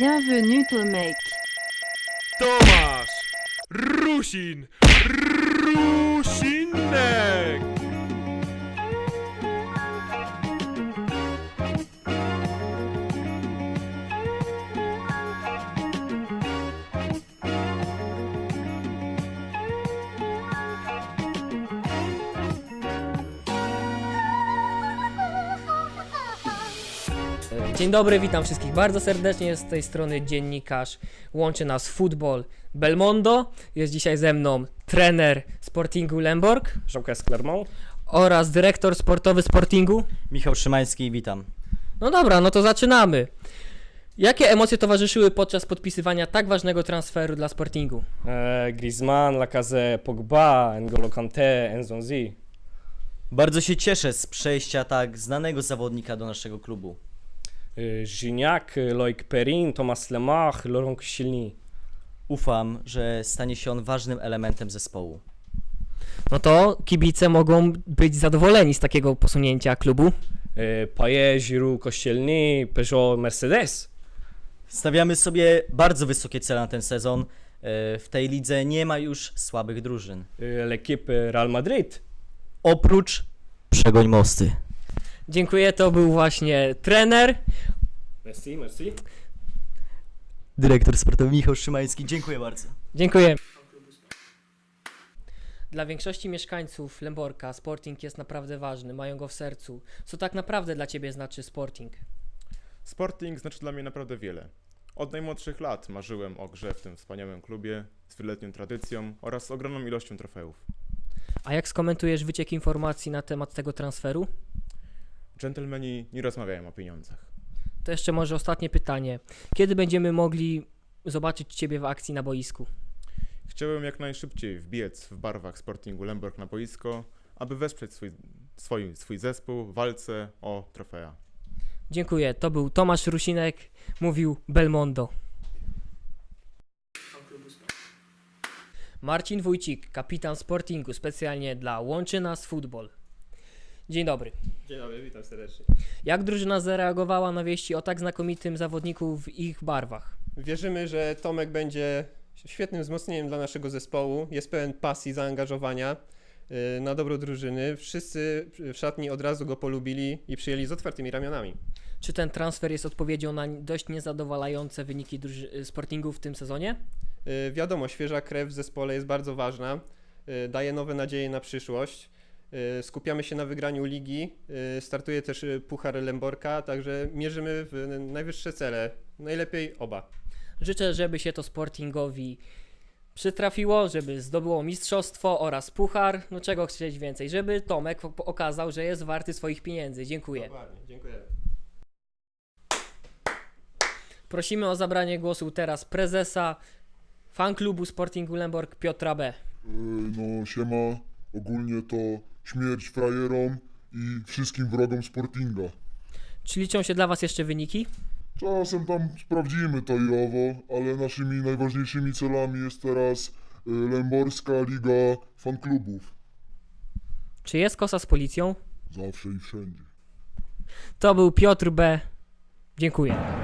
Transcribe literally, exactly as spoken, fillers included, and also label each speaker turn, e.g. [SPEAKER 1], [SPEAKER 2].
[SPEAKER 1] Bienvenue Tomek.
[SPEAKER 2] Tomasz Rusin Rusinek.
[SPEAKER 3] Dzień dobry, witam wszystkich bardzo serdecznie, z tej strony dziennikarz, łączy nas futbol Belmondo, jest dzisiaj ze mną trener Sportingu Lemborg
[SPEAKER 4] Jean-Claude Clermont
[SPEAKER 3] oraz dyrektor sportowy Sportingu.
[SPEAKER 5] Michał Szymański, witam.
[SPEAKER 3] No dobra, no to zaczynamy. Jakie emocje towarzyszyły podczas podpisywania tak ważnego transferu dla Sportingu?
[SPEAKER 4] e, Griezmann, Lacazette, Pogba, N'Golo Kanté, Nzonzi.
[SPEAKER 5] Bardzo się cieszę z przejścia tak znanego zawodnika do naszego klubu.
[SPEAKER 4] e, Gignac, Loic Perrin, Thomas Lemach, Laurent Koscielny.
[SPEAKER 5] Ufam, że stanie się on ważnym elementem zespołu.
[SPEAKER 3] No to kibice mogą być zadowoleni z takiego posunięcia klubu.
[SPEAKER 4] e, Payet, Giroud, Koscielny, Peugeot, Mercedes.
[SPEAKER 5] Stawiamy sobie bardzo wysokie cele na ten sezon. E, W tej lidze nie ma już słabych drużyn.
[SPEAKER 4] e, L'équipe Real Madrid.
[SPEAKER 5] Oprócz Przegoń Mosty.
[SPEAKER 3] Dziękuję, to był właśnie trener.
[SPEAKER 4] Merci, merci.
[SPEAKER 5] Dyrektor sportowy Michał Szymański, dziękuję bardzo.
[SPEAKER 3] Dziękuję. Dla większości mieszkańców Lemborka Sporting jest naprawdę ważny, mają go w sercu. Co tak naprawdę dla Ciebie znaczy Sporting?
[SPEAKER 2] Sporting znaczy dla mnie naprawdę wiele. Od najmłodszych lat marzyłem o grze w tym wspaniałym klubie z wieloletnią tradycją oraz ogromną ilością trofeów.
[SPEAKER 3] A jak skomentujesz wyciek informacji na temat tego transferu?
[SPEAKER 2] Dżentelmeni nie rozmawiają o pieniądzach.
[SPEAKER 3] To jeszcze może ostatnie pytanie. Kiedy będziemy mogli zobaczyć Ciebie w akcji na boisku?
[SPEAKER 2] Chciałem jak najszybciej wbiec w barwach Sportingu Lemborg na boisko, aby wesprzeć swój, swój, swój zespół w walce o trofea.
[SPEAKER 3] Dziękuję. To był Tomasz Rusinek, mówił Belmondo. Marcin Wójcik, kapitan Sportingu, specjalnie dla Łączy Nas Futbol. Dzień dobry.
[SPEAKER 4] Dzień dobry, witam serdecznie.
[SPEAKER 3] Jak drużyna zareagowała na wieści o tak znakomitym zawodniku w ich barwach?
[SPEAKER 6] Wierzymy, że Tomek będzie świetnym wzmocnieniem dla naszego zespołu. Jest pełen pasji, zaangażowania yy, na dobro drużyny. Wszyscy w szatni od razu go polubili i przyjęli z otwartymi ramionami.
[SPEAKER 3] Czy ten transfer jest odpowiedzią na dość niezadowalające wyniki druży- Sportingu w tym sezonie?
[SPEAKER 6] Yy, wiadomo, świeża krew w zespole jest bardzo ważna. Yy, daje nowe nadzieje na przyszłość. Yy, skupiamy się na wygraniu ligi. Yy, startuje też yy, Puchar Lemborka, także mierzymy w najwyższe cele. Najlepiej oba.
[SPEAKER 3] Życzę, żeby się to Sportingowi przytrafiło, żeby zdobyło mistrzostwo oraz puchar. No czego chcieć więcej, żeby Tomek o- okazał, że jest warty swoich pieniędzy. Dziękuję.
[SPEAKER 6] Dokładnie, dziękuję.
[SPEAKER 3] Prosimy o zabranie głosu teraz prezesa fanklubu Sportingu Lemborg Piotra B.
[SPEAKER 7] Yy, No siema, ogólnie to śmierć frajerom i wszystkim wrogom Sportinga.
[SPEAKER 3] Czy liczą się dla Was jeszcze wyniki?
[SPEAKER 7] Czasem tam sprawdzimy to i owo, ale naszymi najważniejszymi celami jest teraz yy, Lęborska Liga Fanklubów.
[SPEAKER 3] Czy jest kosa z policją?
[SPEAKER 7] Zawsze i wszędzie.
[SPEAKER 3] To był Piotr B. Dziękuję.